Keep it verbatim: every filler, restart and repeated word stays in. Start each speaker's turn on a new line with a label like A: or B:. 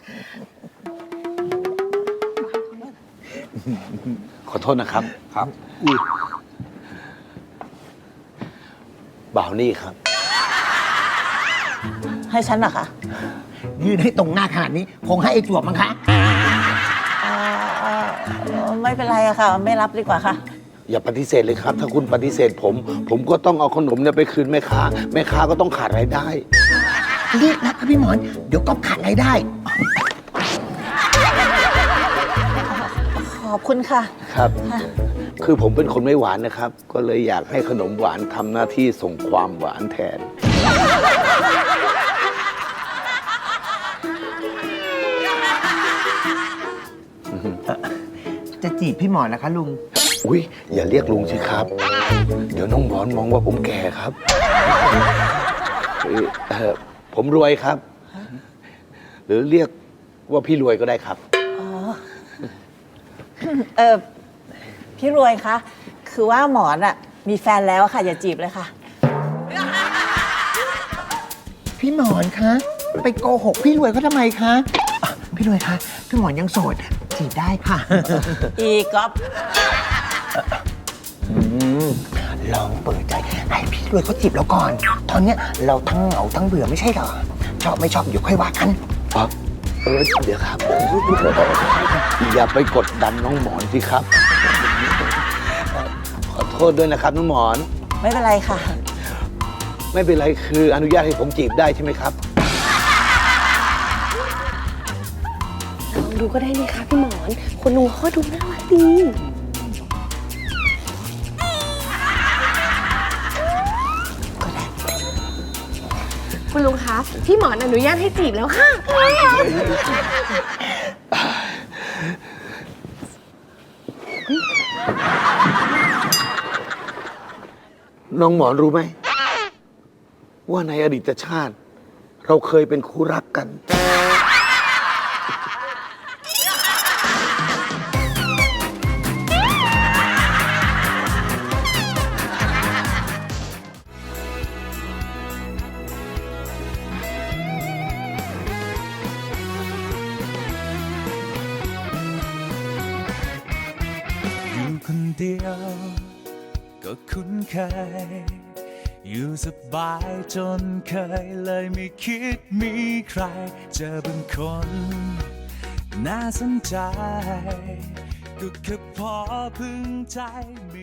A: ขอโทษนะครับ
B: ครับ
A: บ่าวนี่ครับ
C: ให้ฉันเหรอคะ
B: ยืนให้ตรงหน้าขนาดนี้ คงให้ไอ้จวบมั้งคะ
C: อ่าอ่าไม่เป็นไรอะค่ะ ไม่รับดีกว่าค่ะ
A: อย่าปฏิเสธเลยครับ ถ้าคุณปฏิเสธผม ผมก็ต้องเอาขนมเนี่ยไปคืนแม่ค้า แม่ค้าก็ต้องขาดรายได้
B: รีบนะครับพี่หมอน เดี๋ยวก็ขาดรายได้
C: ขอบคุณค่ะ
A: ครับ
C: ค่ะ
A: คือผมเป็นคนไม่หวานนะครับ ก็เลยอยากให้ขนมหวานทำหน้าที่ส่งความหวานแทน
B: จะจีบพี่หมอนนะคะลุง
A: อุ้ยอย่าเรียกลุงสิครับ เดี๋ยวน้องหมอนมองว่าผมแก่ครับเอ่อเอ่อผมรวยครับ หรือเรียกว่าพี่รวยก็ได้ครับ
C: อ๋อ เออพี่รวยคะ คือว่าหมอนอะมีแฟนแล้วอะค่ะ อย่าจีบเลยค่ะ
B: พี่หมอนคะ ไปโกหกพี่รวยเขาทำไมคะอ่ะพี่รวยคะ พี่หมอนยังโสด จีบได้ค่ะ
C: อีก๊อฟ
B: อืมลองเปิดใจให้พี่รวยเขาจีบเราก่อน ตอนเนี้ยเราทั้งเหงาทั้งเบื่อไม่ใช่เหรอ ชอบไม่ชอบเดี๋ยวค่อยว่ากัน
A: อ๋อเออเดี๋ยวครับ อย่าไปกดดันน้องหมอนสิครับ ขอโทษด้วยนะครับน้องหมอน
C: ไม่เป็นไรค่ะ
A: ไม่เป็นไรคืออนุญาตให้ผมจีบได้ใช่ไหมครับ
D: ลองดูก็ได้นี่คะพี่หมอน คุณลุงเขาก็ดูน่ารักดีคุณลุงคะ พี่หมอนอนุญาตให้จีบแล้วค่ะ
A: น้องหมอนรู้ไหม ว่าในอดีตชาติ เราเคยเป็นคู่รักกัน
E: อยู่คนเดียวก็คุ้นเคย อยู่สบายจนเคยเลยไม่คิดมีใคร เจอบางคน น่าสนใจ ก็แค่พอพึงใจ